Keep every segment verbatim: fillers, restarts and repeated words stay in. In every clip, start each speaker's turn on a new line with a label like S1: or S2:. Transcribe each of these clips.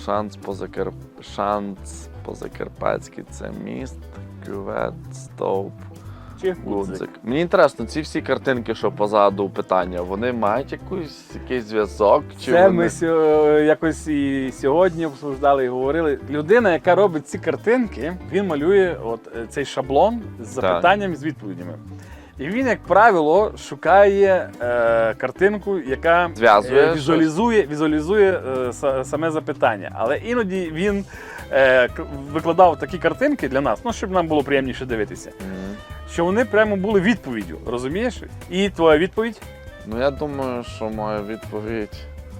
S1: Шанс по-закар... Шанс по-закарпатськи це міст, кювет, стовп,
S2: Чи
S1: гудзик. Мені інтересно, ці всі картинки, що позаду питання, вони мають якусь, якийсь зв'язок? Чи
S2: Це
S1: вони...
S2: ми сьо- якось і сьогодні обсуждали і говорили. Людина, яка робить ці картинки, він малює от е, цей шаблон з запитанням і з відповідями. І він, як правило, шукає е, картинку, яка
S1: Зв'язує
S2: е, візуалізує, візуалізує е, са- саме запитання. Але іноді він е, к- викладав такі картинки для нас, ну, щоб нам було приємніше дивитися,
S1: Мгм.
S2: що вони прямо були відповіддю, розумієш? І твоя відповідь?
S1: Ну, я думаю, що моя відповідь...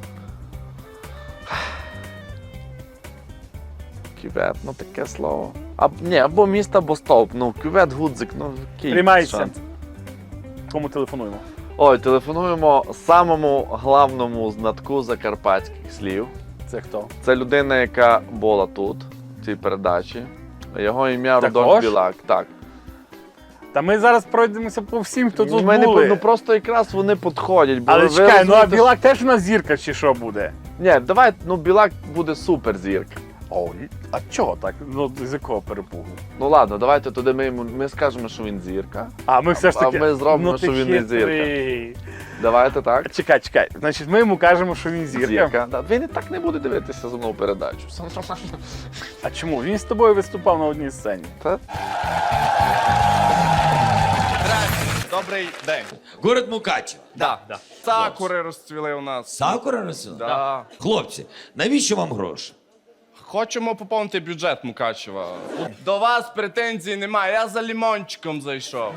S1: Кювет, ну таке слово. А, ні, або міст, або стовп. Ну, кювет, гудзик, ну, який
S2: Приймається.
S1: шанс?
S2: Кому телефонуємо?
S1: Ой, телефонуємо самому главному знатку закарпатських слів.
S2: Це хто?
S1: Це людина, яка була тут, в цій передачі. Його ім'я
S2: Також?
S1: Рудольф Білак. Так.
S2: Та ми зараз пройдемося по всім, хто тут
S1: Ми не
S2: були.
S1: по- ну просто якраз вони підходять. Бо
S2: Але
S1: ви
S2: чекай, ну а
S1: розумієте,
S2: Білак теж у нас зірка чи що буде?
S1: що- Ні, давай, ну Білак буде суперзірка.
S2: О, а чого так? Ну, з якого перепугу?
S1: Ну ладно, давайте туди ми йому ми скажемо, що він зірка.
S2: А ми все ж
S1: А
S2: таки.
S1: ми зробимо,
S2: ну,
S1: що
S2: ти
S1: він не
S2: хитрий.
S1: Давайте так.
S2: Чекай, чекай. Значить, ми йому кажемо, що він зірка.
S1: Да, він і так не буде дивитися за мною передачу.
S2: А чому? Він з тобою виступав на одній сцені.
S1: Та?
S3: Добрий день.
S4: Город Мукачево.
S3: Да. Сакури розцвіли у нас.
S4: Сакура розсила?
S3: Да.
S4: Хлопці, навіщо вам гроші?
S3: Хочемо поповнити бюджет Мукачева. До вас претензій немає, я за лімончиком зайшов.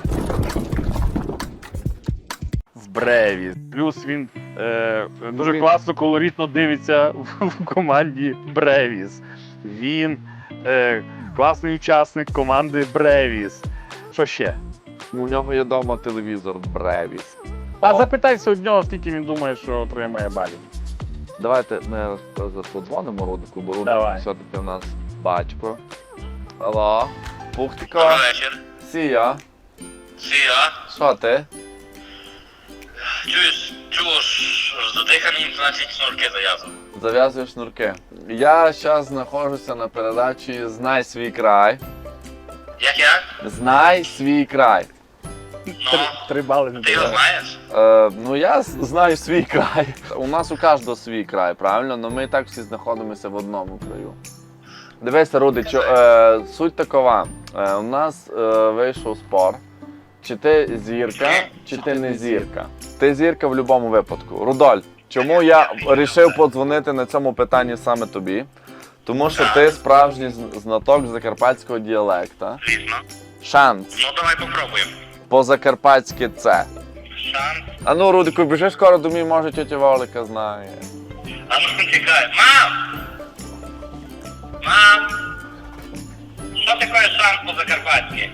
S2: В Бреві. Плюс він е, дуже
S1: Він-
S2: класно, колоритно дивиться в, в команді Бревіс. Він е, класний учасник команди Бревіс. Що ще?
S1: У нього є вдома телевізор Бревіс.
S2: А запитайся у нього, скільки він думає, що отримає балів.
S1: Давайте ми подзвонимо Рудику, бо Рудик
S2: Давай.
S1: все-таки у нас батько. Алло, Пухтіко.
S5: Добрий вечір.
S1: Сія.
S5: Сія.
S1: Що ти?
S5: Чуєш, чуєш, задиханий, значить шнурки зав'язав.
S1: Зав'язуєш шнурки. Я зараз знаходжуся на передачі «Знай свій край».
S5: Як як?
S1: Знай свій край.
S5: Ну,
S2: Три, три бали не
S5: ти його
S1: Е.
S2: дає.
S5: знаєш?
S1: Е, ну я з- знаю свій край. У нас у кожного свій край, правильно? Ну ми і так всі знаходимося в одному краю. Дивися, Рудичу, е, суть такова. Е, у нас е, вийшов спор. Чи ти зірка, чи ти не зірка. Ти зірка в будь-якому випадку. Рудоль, чому я вирішив подзвонити на цьому питанні саме тобі? Тому що ти справжній з- знаток закарпатського діалекта.
S5: Звісно.
S1: Шанс.
S5: Ну, давай попробуємо.
S1: По-закарпатськи це.
S5: Шанс.
S1: А ну, Рудику, біжи скоро до мій, може, тетя Волика знає.
S5: А ну, чекай. Мам! Мам! Що таке шанс по-закарпатськи?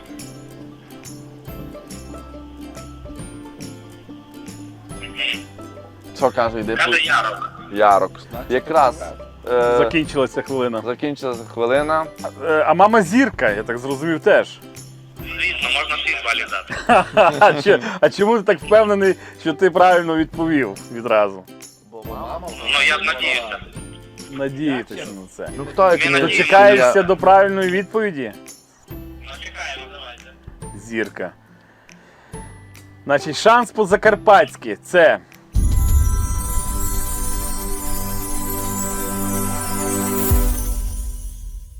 S1: Що каже, йди
S5: Каже
S1: по
S5: Ярок.
S1: ярок. Якраз е,
S2: Закінчилася хвилина.
S1: закінчилася хвилина.
S2: Е, а мама зірка, я так зрозумів, теж.
S5: Звісно, можна шість балів дати.
S2: А, чи- а чому ти так впевнений, що ти правильно відповів відразу?
S5: Ну, я б надіюся.
S2: Надіятися на це.
S1: Ну хто як
S5: Він
S1: не
S5: надіється.
S2: Дочекаєшся до правильної відповіді?
S5: Ну, чекаємо, давайте.
S2: Зірка. Значить, шанс по-закарпатськи це